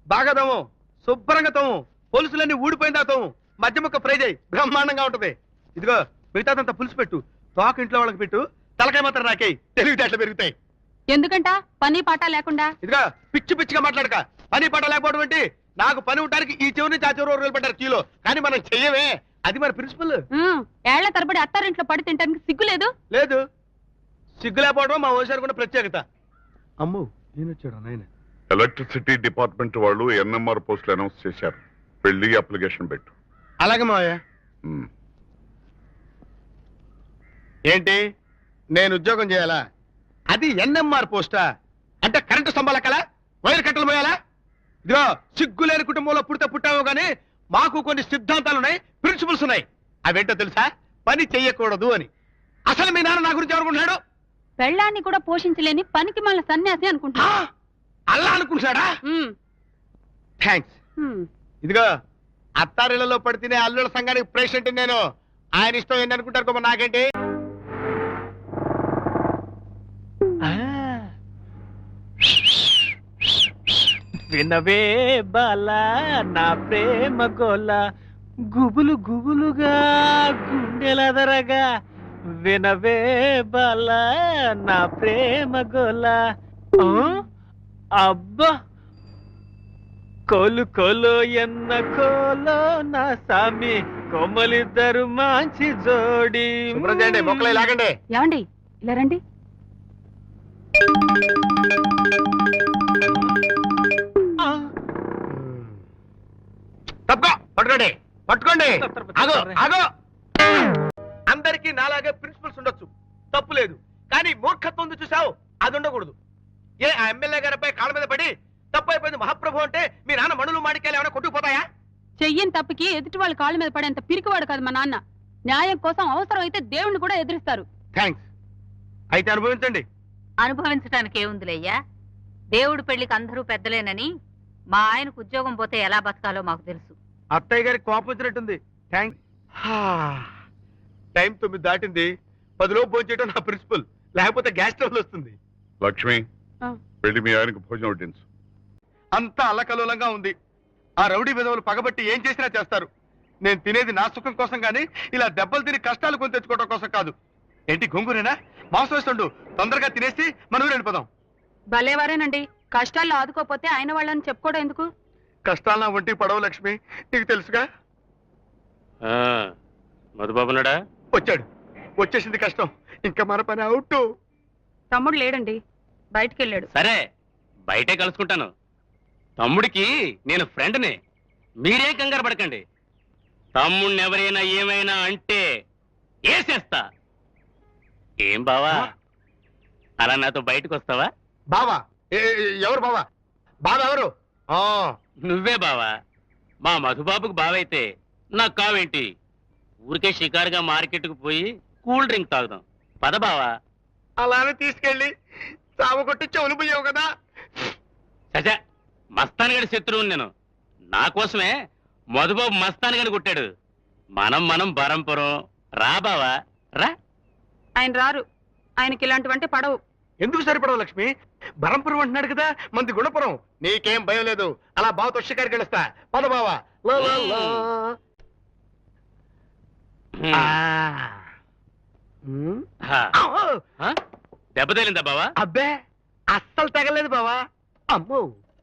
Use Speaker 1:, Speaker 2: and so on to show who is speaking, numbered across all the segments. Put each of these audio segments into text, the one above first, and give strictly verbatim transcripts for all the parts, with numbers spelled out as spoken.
Speaker 1: బాగా తోము, శుభ్రంగా తోము, పొలుసులన్నీ ఊడిపోయిందా తోము, మధ్య ముక్క ఫ్రై చేయి, బ్రహ్మాండంగా ఉంటది. ఇదిగో మిగతాదంతా పులుసు పెట్టు, తోక ఇంట్లో వాళ్ళకి పెట్టు, తలకాయ మాత్రం నాకేయి, తెలివితేటలు పెరుగుతాయి.
Speaker 2: ఎందుకంట పని పాట లేకుండా?
Speaker 1: ఇదిగో పిచ్చి పిచ్చిగా మాట్లాడక, పని పాట లేకపోవడం ఏంటి? నాకు పని ఉండడానికి ఈ చెవు నుంచి ఆ చెవు రోజులు పెట్టారు కిలో, కానీ మనం చెయ్యమే, అది మన ప్రిన్సిపల్.
Speaker 2: ఏళ్ల తరబడి అత్తారింట్లో పడి తింటానికి సిగ్గు లేదు?
Speaker 1: లేదు, సిగ్గు లేకపోవడం మా ఓసారి కూడా ప్రత్యేకత. అమ్ము నేను వచ్చాడు నాయన.
Speaker 3: ఎలక్ట్రిసిటీ డిపార్ట్మెంట్ వాళ్ళు ఎన్ఎంఆర్ పోస్టులు అనౌన్స్ చేశారు, పెళ్లి అప్లికేషన్ పెట్టు.
Speaker 1: అలాగే మావయ్య. ఏంటి నేను ఉద్యోగం చేయాలా? అది ఎన్ఎంఆర్ పోస్టా? అంటే కరెంటు స్తంభాల కల వైర్ కట్టలు పోయాలా? ఇదిగో సిగ్గు లేని కుటుంబంలో పుడితే పుట్టావు గానీ మాకు కొన్ని సిద్ధాంతాలు ఉన్నాయి, ప్రిన్సిపల్స్ ఉన్నాయి. అవేంటో తెలుసా? పని చెయ్యకూడదు అని. అసలు మీ నాన్న నా గురించి ఎవరుకుంటున్నాడు?
Speaker 2: పెళ్ళాన్ని కూడా పోషించలేని పనికి మళ్ళీ సన్యాసి అనుకుంటా.
Speaker 1: అలా అనుకుంటున్నాడా? థ్యాంక్స్. ఇదిగో అత్తారిళ్లలో పడితేనే అల్లుల సంఘానికి ప్రెసిడెంట్ నేను. ఆయన ఇష్టం ఏంటి అనుకుంటారు మరి నాకేంటి?
Speaker 4: వినవే బాలా నా ప్రేమ గోల, గుబులు గుబులుగా గుండెలదరగా, వినవే బాలా నా ప్రేమ గోల. అబ్బా కోలు కోలో ఎన్న కోలో నా సామి, కొమ్మలిద్దరు మంచి జోడి.
Speaker 1: మొక్కలే లాగండి.
Speaker 2: ఏమండి ఇలా రండి.
Speaker 1: తప్పుకో, పట్టుకోండి పట్టుకోండి. ఆగో ఆగో. అందరికీ నాలాగే ప్రిన్సిపల్స్ ఉండొచ్చు, తప్పు లేదు. కానీ మూర్ఖత్వం ఉంది చూసావు, అది ఉండకూడదు. ఏ ఆ ఎమ్మెల్యే గారిపై కాళ్ళ మీద పడి తప్పు అయిపోయింది మహాప్రభు అంటే మీ నాన్న మణులు మాడికాయలు ఏమైనా కొట్టుకుపోతాయా?
Speaker 2: చెయ్యని తప్పుకి ఎదుటి వాళ్ళ కాళ్ళ మీద పడేంత పిరికివాడు కాదు మా నాన్న. న్యాయం కోసం అవసరం అయితే దేవుణ్ణి కూడా ఎదిరిస్తారు.
Speaker 1: థ్యాంక్స్. అయితే అనుభవించండి.
Speaker 5: అనుభవించడానికి ఏముందిలేయ్యా, దేవుడి పెళ్లికి అందరూ పెద్దలేనని మా ఆయనకు ఉద్యోగం పోతే ఎలా బతకాలో మాకు తెలుసు.
Speaker 1: అత్తయ్య గారికి కోపం వచ్చినట్టుంది. థ్యాంక్స్. టైం తొమ్మిది దాటింది, పదిలో భోంచేయటం నా ప్రిన్సిపల్, లేకపోతే గ్యాస్ ట్రబుల్ వస్తుంది.
Speaker 3: లక్ష్మి పెళ్లి మీ ఆయనకు భోజనం వడ్డించు.
Speaker 1: అంతా అల్లకల్లోలంగా ఉంది. ఆ రౌడీ విధవులు పగబట్టి ఏం చేసినా చేస్తారు. నేను తినేది నా సుఖం కోసం గానీ ఇలా దెబ్బలు తిని కష్టాలు కొని తెచ్చుకోవడం కోసం కాదు. ఏంటి గొంగురేనా? మాంసం వేస్తుండు, తొందరగా తినేసి మనం వెళ్ళిపోదాం.
Speaker 2: భలేవారేనండి, కష్టాల్లో ఆదుకోపోతే ఆయన వాళ్ళని చెప్పుకోవడం ఎందుకు?
Speaker 1: కష్టాలు నా ఒంటికి పడవు లక్ష్మి, నీకు తెలుసుగా.
Speaker 4: మధుబాబునాడా?
Speaker 1: వచ్చాడు, వచ్చేసింది కష్టం, ఇంకా మన పని అవుట్.
Speaker 2: తమ్ముడు లేడండి, బయటికి వెళ్ళాడు.
Speaker 4: సరే బయటే కలుసుకుంటాను. తమ్ముడికి నేను ఫ్రెండ్ని, మీరేం కంగారు పడకండి. తమ్ముడిని ఎవరైనా ఏమైనా అంటే వేసేస్తా. ఏం బావా, అలా నాతో బయటకు వస్తావా?
Speaker 1: బావా? ఎవరు బావా? బావా ఎవరు?
Speaker 4: నువ్వే బావా. మా మధుబాబుకు బావైతే నాకు కావేంటి? ఊరికే షికారుగా మార్కెట్కు పోయి కూల్ డ్రింక్ తాగుదాం, పద బావా.
Speaker 1: అలానే తీసుకెళ్ళి చావగొట్టి చెవులు పోయావు కదా.
Speaker 4: సజా మస్తాన్ గడి శత్రువుని నేను. నా కోసమే మధుబాబు మస్తాన్ గడి కొట్టాడు. మనం మనం బరంపురం రా బావా రా.
Speaker 2: ఆయన రారు, ఆయనకి ఇలాంటివంటే పడవు.
Speaker 1: ఎందుకు సరిపడవు లక్ష్మి? బరంపురం అంటున్నాడు కదా, మంది గుణపురం. నీకేం భయం లేదు, అలా బావతో షికారికి వెళ్ళొస్తా, పద బావా.
Speaker 4: దెబ్బ తేలిందా బావా?
Speaker 1: అబ్బే అస్సలు తగలేదు బావా. అమ్మో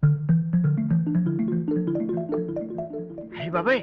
Speaker 1: అయ్యి బాబాయ్,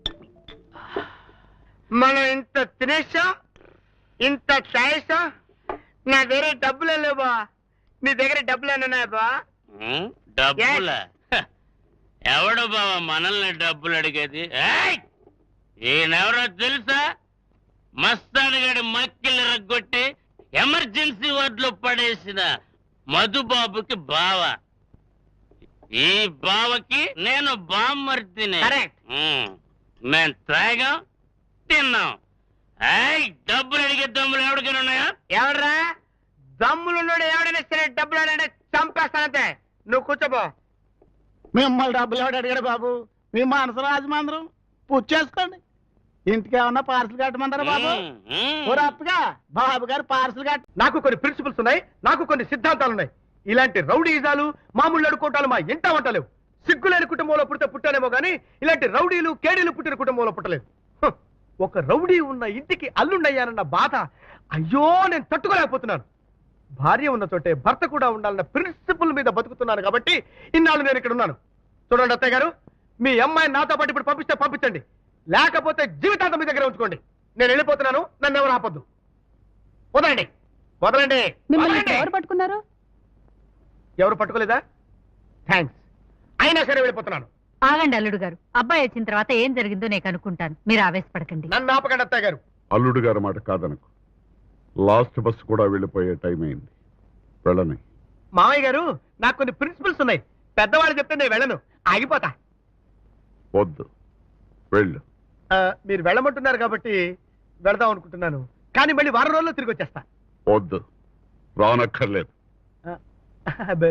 Speaker 1: మనం ఇంత తినేసాం, ఇంత తాగేసాం, నా దగ్గర డబ్బులే లేవు బా. నీ దగ్గర డబ్బులు ఏమన్నాయా బా?
Speaker 4: డబ్బులా? ఎవడు బావా మనల్ని డబ్బులు అడిగేది? ఈయనెవరో తెలుసా? మస్తాన్ గడి మక్కిలు రగ్గొట్టి ఎమర్జెన్సీ వార్డులో పడేసిన మధుబాబుకి బావ. ఈ బావకి నేను బామ్మర్తిని. మేం తాగాం, తిన్నాం. డబ్బులు అడిగే దమ్ములు ఎవరికైనా ఉన్నాయా?
Speaker 1: ఎవడరా దమ్ములున్నాడు? ఎవడైనా సరే డబ్బులు అడిగే చంపేస్తానంతే. నువ్వు కూర్చోబో.
Speaker 6: మిమ్మల్ని డబ్బులు ఎవడు అడిగాడు బాబు? మీ మనసు రాజమందరం పుచ్చేసుకోండి. ఇంటికి ఏమన్నా పార్సల్ కట్టమంటారా బాబు? అప్పగా బాబు గారు పార్సల్ కట్ట.
Speaker 1: నాకు కొన్ని ప్రిన్సిపల్స్ ఉన్నాయి, నాకు కొన్ని సిద్ధాంతాలు ఉన్నాయి. ఇలాంటి రౌడీజాలు మామూలు అడుకోవటాలు మా ఇంట వంటలేవు. సిగ్గులేని కుటుంబంలో పుడితే పుట్టానేమో గానీ ఇలాంటి రౌడీలు కేడీలు పుట్టిన కుటుంబంలో పుట్టలేదు. హ, ఒక రౌడీ ఉన్న ఇంటికి అల్లుండయ్యానన్న బాధ అయ్యో నేను తట్టుకోలేకపోతున్నాను. భార్య ఉన్న చోటే భర్త కూడా ఉండాలన్న ప్రిన్సిపల్ మీద బతుకుతున్నాను కాబట్టి ఇన్నాళ్ళు నేను ఇక్కడ ఉన్నాను. చూడండి అత్తయ్య గారు, మీ అమ్మాయిని నాతో పాటు ఇప్పుడు పంపిస్తే పంపించండి, లేకపోతే జీవితాంతం మీ దగ్గర ఉంచుకోండి. నేను వెళ్ళిపోతున్నాను, నన్ను ఎవరు ఆపొద్దు. వదలండి వదలండి
Speaker 2: మిమ్మల్ని
Speaker 1: వదలండి.
Speaker 2: ఎవరు పట్టుకున్నారు?
Speaker 1: ఎవరు పట్టుకోలేదా? థ్యాంక్స్. అయినా సరే వెళ్ళిపోతున్నాను.
Speaker 5: ఆగండి అల్లుడు గారు, అబ్బాయి వచ్చిన తర్వాత ఏం జరిగిందో నేను కనుక్కుంటాను, మీరు ఆవేశపడకండి.
Speaker 1: నన్ను ఆపకండి అత్తయ్య గారు.
Speaker 3: అల్లుడు గారి మాట కాదనకు. లాస్ట్ బస్ కూడా వెళ్ళిపోయే టైం అయింది. వెళ్ళని.
Speaker 1: మామయ్య గారు, నాకు కొన్ని ప్రిన్సిపల్స్ ఉన్నాయి. పెద్దవాళ్ళు చెప్తే నేను వెళ్ళను, ఆగిపోతా.
Speaker 3: వద్దు, వెళ్ళు.
Speaker 1: ఆ, మీరు వెళ్ళమంటున్నారు కాబట్టి వెళదాం అనుకుంటున్నాను, కానీ మళ్ళీ వారం రోజుల్లో తిరిగి వచ్చేస్తా.
Speaker 3: వద్దు, రానక్కర్లేదు.
Speaker 1: ఆ, అబ్బే.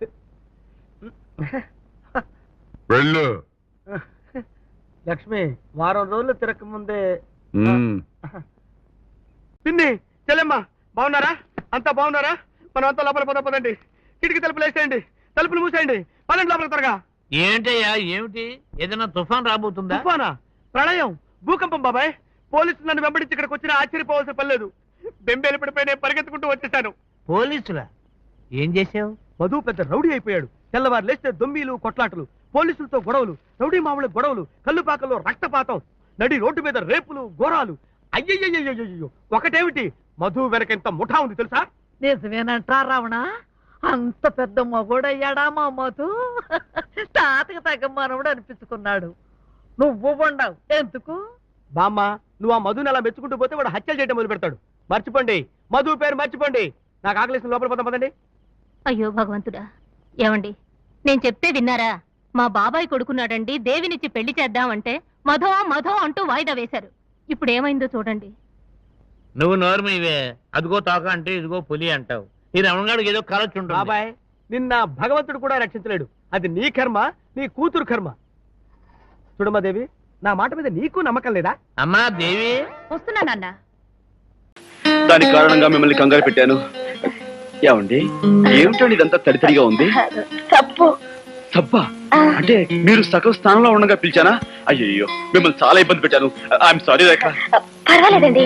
Speaker 3: వెళ్ళు.
Speaker 1: లక్ష్మి, వారం రోజులు తిరగక ముందే.
Speaker 3: మ్మ్.
Speaker 1: పిన్ని, చెల్లెమ్మ, బాగున్నారా? అంతా బాగున్నారా? మనం అంతా లోపల పోదాం పదండి. కిటికీ తలుపులు వేసేయండి, తలుపులు మూసేయండి, పదండి లోపల త్వరగా.
Speaker 7: ఏంటయ్యా ఏమిటి? ఏదైనా తుఫాన్ రాబోతుందా?
Speaker 1: తుఫానా? ప్రళయం, భూకంపం బాబాయ్. పోలీసులు నన్ను వెంబడించి ఇక్కడికి వచ్చినా ఆశ్చర్యపోవాల్సిన పని లేదు. బెంబేలు పడిపోయి నేను పరిగెత్తుకుంటూ వచ్చేసాను.
Speaker 7: పోలీసులా? ఏం చేసావు?
Speaker 1: మధు పెద్ద రౌడీ అయిపోయాడు. తెల్లవారు లేస్తే దొమ్మీలు, కొట్లాటలు, పోలీసులతో గొడవలు, రౌడీ మామూలు గొడవలు, కల్లుపాకల్లో రక్తపాతం, నడి రోడ్డు మీద రేపులు, ఘోరాలు. అయ్యయ్యో, ఒకటేమిటి, మధు వెనక ఇంత ముఠా ఉంది తెలుసా?
Speaker 8: నిజమేనంటా రావణ? అంత పెద్ద మగోడయ్యాడా మా మధు? తాతకి తగ్గ మనవుడు అనిపించుకున్నాడు. నువ్వు ఉండవు ఎందుకు?
Speaker 1: బామ్మ, నువ్వు ఆ మధుని అలా మెచ్చుకుంటూ పోతే వాడు హత్యలు చేయడం మొదలు పెడతాడు. మర్చిపోండి, మధు పేరు మర్చిపోండి. నాకు ఆకలిసిన లోపల పోతాం పదండి.
Speaker 9: అయ్యో భగవంతుడా, ఏమండి నేను చెప్తే విన్నారా? మా బాబాయ్ కొడుకున్నాడండి, దేవినిచ్చి పెళ్లి చేద్దామంటే మధో మధో అంటూ వాయిదా వేశారు. ఇప్పుడు ఏమైందో చూడండి.
Speaker 7: నువ్వు నోరు మీవే. అదిగో తోక అంటే ఇదిగో పులి అంటావు. ఈ రమణగాడికి ఏదో కలొచ్చు ఉంటుంది.
Speaker 1: బాబాయ్, నిన్న భగవంతుడు కూడా రక్షించలేడు. అది నీ కర్మ, నీ కూతురు కర్మ. చూడమ్మాదేవి, నా మాట మీద నీకు నమ్మకం లేదా?
Speaker 7: అమ్మా దేవి,
Speaker 5: వస్తున్నానన్న.
Speaker 10: దాని కారణంగా మిమ్మల్ని కంగారు పెట్టాను. ఏమండి, ఏమిటండి ఇదంతా తడితడిగా ఉంది?
Speaker 9: తప్పు
Speaker 10: సబ్బా అంటే మీరు సగం స్థానంలో ఉండగా పిలిచానా? అయ్యయ్యో, మిమ్మల్ని చాలా ఇబ్బంది పెట్టాను. I'm sorry Rekha.
Speaker 9: పర్వాలేదండి.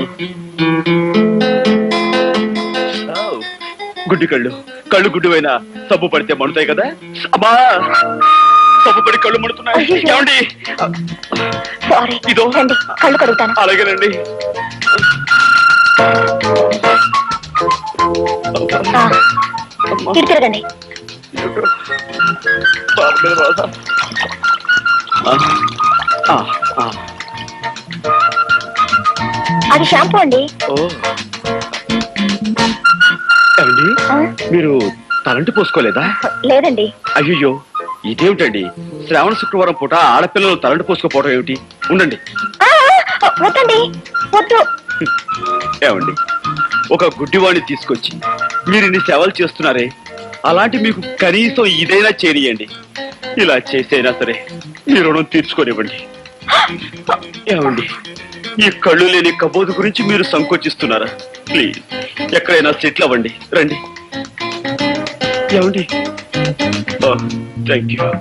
Speaker 10: గుడ్డి కళ్ళు, కళ్ళు గుడ్డువైనా సబ్బు పడితే మడుతాయి కదా. అమ్మా, సబ్బు పడి కళ్ళు మడుతున్నాయి. ఏమండి,
Speaker 9: సారీ,
Speaker 10: ఇదో
Speaker 9: కళ్ళు కడుగుతాను.
Speaker 10: అలాగేనండి.
Speaker 9: తిరగండి. అది షాంపూ అండి.
Speaker 10: ఓ, ఏమండి, మీరు తలంటి పోసుకోలేదా?
Speaker 9: లేదండి.
Speaker 10: అయ్యో, ఇదేమిటండి, శ్రావణ శుక్రవారం పూట ఆడపిల్లలు తలంటి పోసుకోపోవడం ఏమిటి? ఉండండి.
Speaker 9: వద్దండి, వద్దు.
Speaker 10: ఏమండి, ఒక గుడ్డివాణ్ణి తీసుకొచ్చి మీరు ఇన్ని సేవలు చేస్తున్నారే, అలాంటి మీకు కనీసం ఇదైనా చేయనియండి. ఇలా చేసైనా సరే మీ రుణం తీర్చుకోనివ్వండి. ఏమండి, ఈ కళ్ళు లేని కబోదు గురించి మీరు సంకోచిస్తున్నారా? ప్లీజ్, ఎక్కడైనా సెటిల్ అవ్వండి. రండి. ఏమండి, థ్యాంక్ యూ.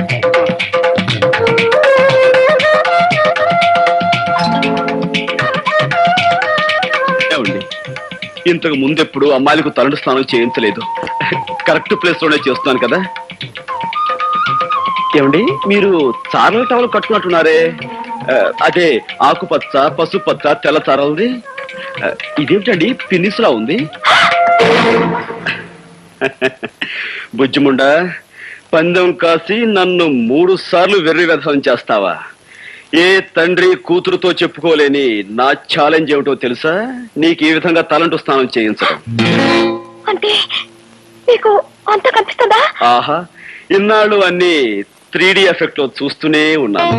Speaker 10: ఏమండి, ఇంతకు ముందెప్పుడు అమ్మాయిలకు తలంటు స్నానం చేయించలేదు. కరెక్ట్ ప్లేస్ లోనే చేస్తున్నాను కదా. ఏమండి, మీరు చారల టవల్ కట్టుకున్నట్టున్నారే, అదే ఆకుపచ్చ, పసుపచ్చ, తెల్ల చారలది. ఇదేమిటండి, పిన్నిస్లా ఉంది. బుజ్జిముండా, పందెం కాసి నన్ను మూడు సార్లు వెర్రి వ్యధం చేస్తావా? ఏ తండ్రి కూతురుతో చెప్పుకోలేని నా ఛాలెంజ్ ఏమిటో తెలుసా? నీకు ఈ విధంగా తలంటు స్నానం చేయించడం.
Speaker 9: అంటే మీకు అంత కనిపిస్తుందా?
Speaker 10: ఆహా, ఇన్నాళ్ళు అన్ని త్రీ డి ఎఫెక్ట్ లో చూస్తూనే ఉన్నాను.